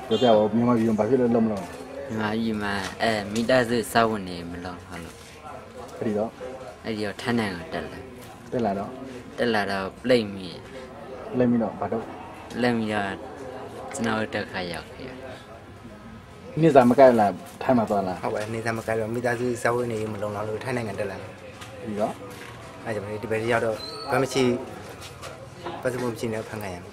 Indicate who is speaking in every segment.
Speaker 1: ပြောပြပါဦးမြန်မာပြည်မှာဘာဖြစ်လို့လုံးမလုံး
Speaker 2: မြန်မာပြည်မှာမိသားစုစောင့်နေမလို့ဟုတ်လို့
Speaker 1: အဲ့ဒီတော့
Speaker 2: ထန်းနိုင်ကိုတက်လာတော့ပြိတ်မိ
Speaker 1: တော့ဘာတော့
Speaker 2: လက်မိတော့ကျွန်တော်တက်ခါရောက်ခဲ့
Speaker 1: နေ့စားမကဲလာထိုင်းမှာသွားလား
Speaker 3: ဟုတ်ပါနေ့စားမကဲတော့မိသားစုစောင့်နေမလုံးလောက်လို့ထိုင်းနိုင်ငံတက်လာတယ်
Speaker 1: ဒီတော့
Speaker 3: အဲ့ကြောင့်ဒီဘက်ရောက်တော့ဘာမှမရှိပတ်စမှုမရှိနေဖန်ခံရမယ်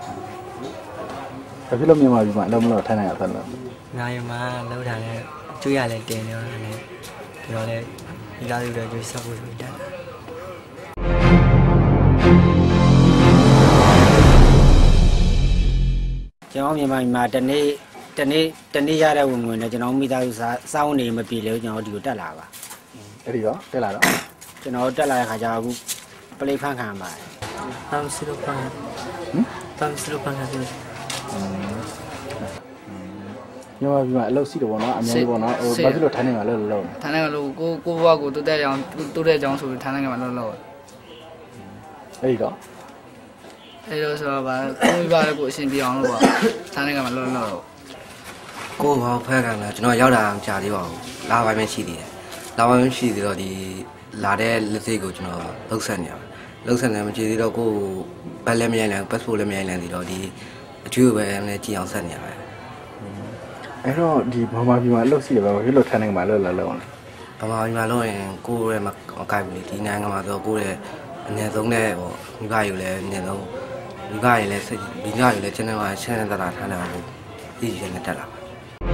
Speaker 1: ဘာဖြစ်လို့မြန်မာပြည်မှာလုံးမလို့ထိုင်းနိုင်ငံသွားလား
Speaker 4: နိုင်မှာလောက်တာနဲ့ကျွေးရလဲတင်နေတော့လည်းဒီတော့လဲမိသားစုတွေကျွေးဆက်ဖို့ဆိုတက်လာ
Speaker 5: ကျွန်တော်မြန်မာပြည်မှာတနေ့ရတဲ့ဝင်ငွေနဲ့ကျွန်တော်မိသားစုစောင်းနေမပြေလို့ကျွန်တော်ဒီကိုတက်လာပါ
Speaker 1: အဲ့ဒီတော့တက်လာတော့
Speaker 5: ကျွန်တော်တက်လာတဲ့ခါကျတော့အခုပလိဖန်ခံပါတယ်
Speaker 4: တမ်စီလိုဖန်တယ်
Speaker 1: မြန်မာပြည်မှာအလုပ်ရှိတယ်ပေါ့နော်အများကြီးပေါ့နော်ဟိုဘာဖြစ်လို့ထိုင်းနိုင်ငံမှာလုံး
Speaker 6: ထိုင်းနိုင်ငံလို့ကိုဘွားကိုတိုးတက်ကြောင်းဆိုပြီးထိုင်းနိုင်ငံမှာလုံး
Speaker 1: အဲ့ဒီတော့
Speaker 6: ဆိုတော့ဗာကိုမိဘလည်းကိုအရှင်ပြအောင်လို့ပါထိုင်းနိုင်ငံမှာလုံး
Speaker 3: ကိုဘာဖက်ခံလဲကျွန်တော်ရောက်လာအောင်ကြာသေးပါဘူးလာပိုင်းပဲရှိသေးတယ်လာပိုင်းရှိသေးတော့ဒီလာတဲ့လက်စိတ်ကိုကျွန်တော်လှုပ်ဆက်နေရတယ်လှုပ်ဆက်နေမှကြည့်သေးတော့ကိုဘက်လည်းမရိုင်းလဲ passport လည်းမရိုင်းလဲဒီတော့ဒီအထူးပဲလည်းကြည့်အောင်ဆက်နေရတယ်
Speaker 1: အဲ့တော့ဒီမြန်မာပြည်မှာအလုပ်ရှိတယ်ပဲဘာဖြစ်လို့ထိုင်းနိုင်ငံမှာလုံးလဲ
Speaker 3: ဗမာပြည်မှာလုံးရင်ကိုရဲ့မကိုက်ဘူးလေဒီနိုင်ငံမှာဆိုကိုရဲ့အနည်းဆုံးနဲ့ဟိုမိဘယူလည်းအနည်းဆုံးမိဘယူလည်းစိတ်မိဘယူလည်းကျန်းမာချမ်းသာတာထားနေတာကိုသိရနေတတ်လာပါ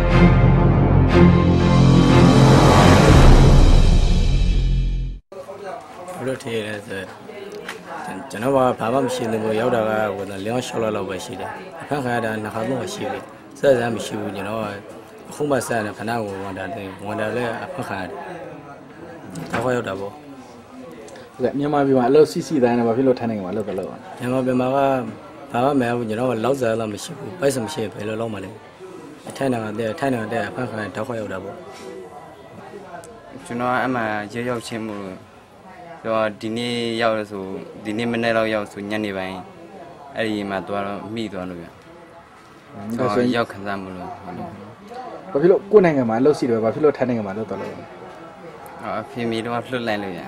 Speaker 4: ဘလို့ထည့်ရဲဆိုကျွန်တော်ဘာမှမရှိလို့ရောက်တာကဟိုလျောင်းရှောက်လောက်ပဲရှိတယ်အခက်ခါတာနှစ်ခါတော့ရှိပြီဆက်စမ်းမရှိဘူးကျွန်တော်အခုမှဆက်နေခဏကိုဝန်တာလည်းအခက်ခါတော့ရောက်တာပေါ့
Speaker 1: ဟုတ်ကဲ့မြန်မာပြည်မှာအလုပ်စီတိုင်းနဲ့ဘာဖြစ်လို့ထိုင်းနိုင်ငံမှာလုပ်တော့
Speaker 4: မြန်မာပြည်မှာကဘာမှမရဘူးကျွန်တော်လောက်စားတော့မရှိဘူးပိုက်စမရှိဘယ်လိုလုပ်မလဲထိုင်းနိုင်ငံတဲ့အခက်ခါတော့ရောက်တာပေါ့
Speaker 2: ကျွန်တော်အမှရောက်ချင်းမှုတော့ဒီနေ့ရောက်လို့ဆိုဒီနေ့မနေ့တော့ရောက်ဆိုညနေပိုင်းအဲ့ဒီမှာသွားတော့မိသွားလို့ဆိုရောက်ခံစားမှုလို့
Speaker 1: ဘာဖြစ်လို့ကိုယ်နိုင်ငံမှာအလုပ်ရှိတယ်ဘာဖြစ်လို့ထိုင်းနိုင်ငံမှာလုပ်တော့လဲ
Speaker 2: အဖေမီတော့လွတ်လိုက်လို့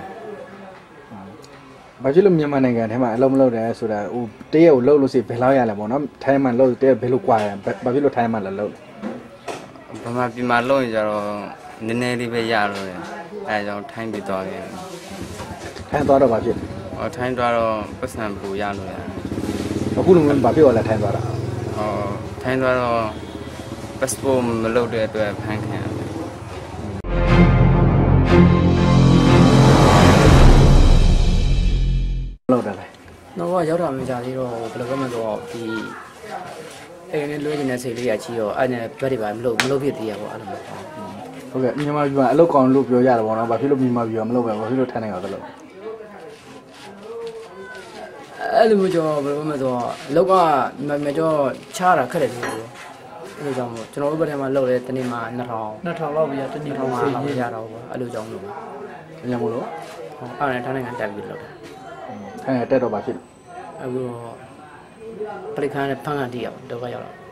Speaker 1: ဘာဖြစ်လို့မြန်မာနိုင်ငံထဲမှာအလုပ်မလုပ်တယ်ဆိုတာဟိုတရက်ကိုလုပ်လို့ရှိဘယ်လောက်ရလဲပေါ့နော်ထိုင်းမှာလုပ်တရက်ဘယ်လိုကွာရဘာဖြစ်လို့ထိုင်းမှာလုပ်
Speaker 2: ဗမာပြည်မှာလုပ်ရင်ကျတော့နည်းနည်းလေးပဲရလို့အဲကြောင့်ထိုင်းပြီးသွားခဲ့
Speaker 1: ထိုင်းသွားတော့ဘာဖြစ်
Speaker 2: ထိုင်းသွားတော့ပတ်စံပူရလို့
Speaker 1: အခုလုံးဘာဖြစ်သွားလဲထိုင်းသွားတာ
Speaker 2: ထိုင်းသွားတော့ passport မလုပ်တဲ့အတွက်ဖမ်းခံရတယ်
Speaker 1: လောက်တယ်လေ
Speaker 4: တော့ရောက်တာမကြသေးတော့ဘယ်လိုမှမတော့ဒီအဲ့ဒီလွှဲနေတဲ့စိတ်လေးကချီရောအဲ့နဲ့ဘက်တွေပါမလုပ်ဖြစ်သေးရပေါ့အဲ့လိုမျိုး
Speaker 1: ဟုတ်ကဲ့မြန်မာပြည်မှာအလုပ်ကောင်းလို့ပြောရတယ်ပေါ့နော်ဘာဖြစ်လို့မြန်မာပြည်မှာမလုပ်ပဲဘာဖြစ်လို့ထိုင်းနိုင်ငံသွားလို့
Speaker 4: အဲ့လိုမျိုးကြောဘယ်လိုမှမတော့လောက်ကမကြောချားတာခက်တယ်လို့အဲ့လိုကြောင့်မို့ကျွန်တော်တို့ဘက်ထဲမှာလုပ်လဲတနေ့မှာ2000
Speaker 6: လောက်ပြရတနေ့
Speaker 4: မှာလောက်ရတော့ပေါ့အဲ့လိုကြောင့်လို့
Speaker 1: ညမို့လို့
Speaker 4: အဲ့ဒါထိုင်းနိုင်ငံတက်ပြီးလုပ်တာ
Speaker 1: ထိုင်းတက်တော့ဘာဖြစ်
Speaker 4: အခုပရိခန်းနဲ့ဖန်ကန်တည်ရတော့ရောက်တော့